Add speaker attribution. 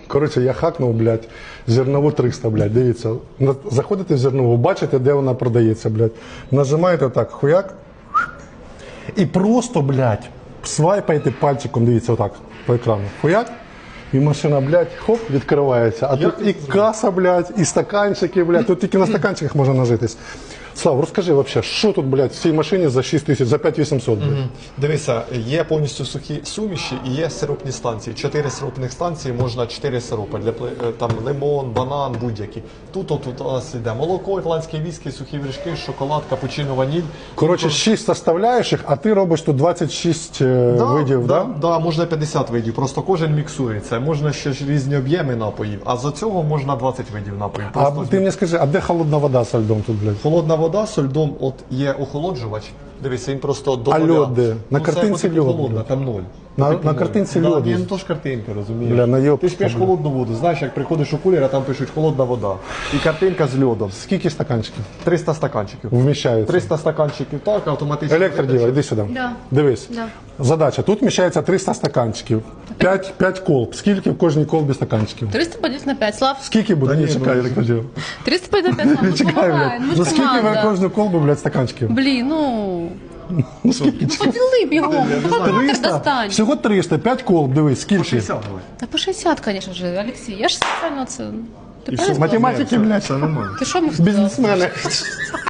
Speaker 1: Коротше, я хакнув, блядь, зернову 300, блядь, дивіться. Заходите в зернову, бачите, де вона продається, блядь. Нажимаєте так, хуяк. І просто, блядь, свайпаєте пальчиком, дивіться, отак, по екрану. Хуяк. І машина, блядь, хоп, відкривається. А тут і каса, блядь, і стаканчики, блядь. Тут тільки на стаканчиках можна нажитись. Слав, розкажи вообще, що тут, блядь, в цій машині за 6 тисяч, за 5800, блядь?
Speaker 2: Дивися, є повністю сухі суміші і є сиропні станції. 4 сиропних станції, можна 4 сиропи, там лимон, банан, будь-які. Тут у нас йде молоко, ірландські віскі, сухі вершки, шоколад, капучино, ваніль.
Speaker 1: Коротше, 6 составляючих, а ти робиш тут 26 видів, да?
Speaker 2: Да, можна 50 видів, просто кожен міксується. Можна ще ж різні об'єми напоїв, а за цього можна 20 видів напоїв.
Speaker 1: А ти мені скажи, а де холодна вода з льдом тут, блядь?
Speaker 2: Холодна вода з льдом, от є охолоджувач. Дивися, він просто
Speaker 1: А льод де? На
Speaker 2: це
Speaker 1: картинці
Speaker 2: буде
Speaker 1: льод.
Speaker 2: холодна, там 0.
Speaker 1: На картинці льод.
Speaker 2: Ні, ну то ж картинка, розумієш.
Speaker 1: Бля, найоб.
Speaker 2: Ти ж п'єш холодну воду, знаєш, як приходиш у кулер, а там пишуть холодна вода. І картинка з льодом.
Speaker 1: Скільки стаканчиків
Speaker 2: 300 стаканчиків.
Speaker 1: вміщається?
Speaker 2: 300 стаканчиків, так, автоматично.
Speaker 1: Електродіва, йди сюди.
Speaker 3: Да.
Speaker 1: Дивись.
Speaker 3: Да.
Speaker 1: Задача. Тут вміщається 300 стаканчиків. 5 колб. Скільки в кожній колбі стаканчиків?
Speaker 3: 300 пойдет на 5, Слав.
Speaker 1: Скільки буде? Ні, чекай, електродіва.
Speaker 3: 300 пойдет на 5, Слав. Ну,
Speaker 1: Чекай,
Speaker 3: помогай,
Speaker 1: блядь.
Speaker 3: ну
Speaker 1: Ну
Speaker 3: ж
Speaker 1: скільки в
Speaker 3: команда.
Speaker 1: кожну колбу, блядь, стаканчиків?
Speaker 3: Блін, ну...
Speaker 1: Ну скільки?
Speaker 3: Ну поділи бігом, ну калькулятор
Speaker 1: 300.
Speaker 3: достань.
Speaker 1: Всього 300, 5 колб, дивись, скільки?
Speaker 2: 60 давай.
Speaker 3: Та по 60, конечно же, Олексій. Я ж спеціально це... Ти правильно сказав?
Speaker 1: Математики, блядь.
Speaker 2: Це нормально.
Speaker 3: Ти що мені сказав?
Speaker 1: Бізнесмени.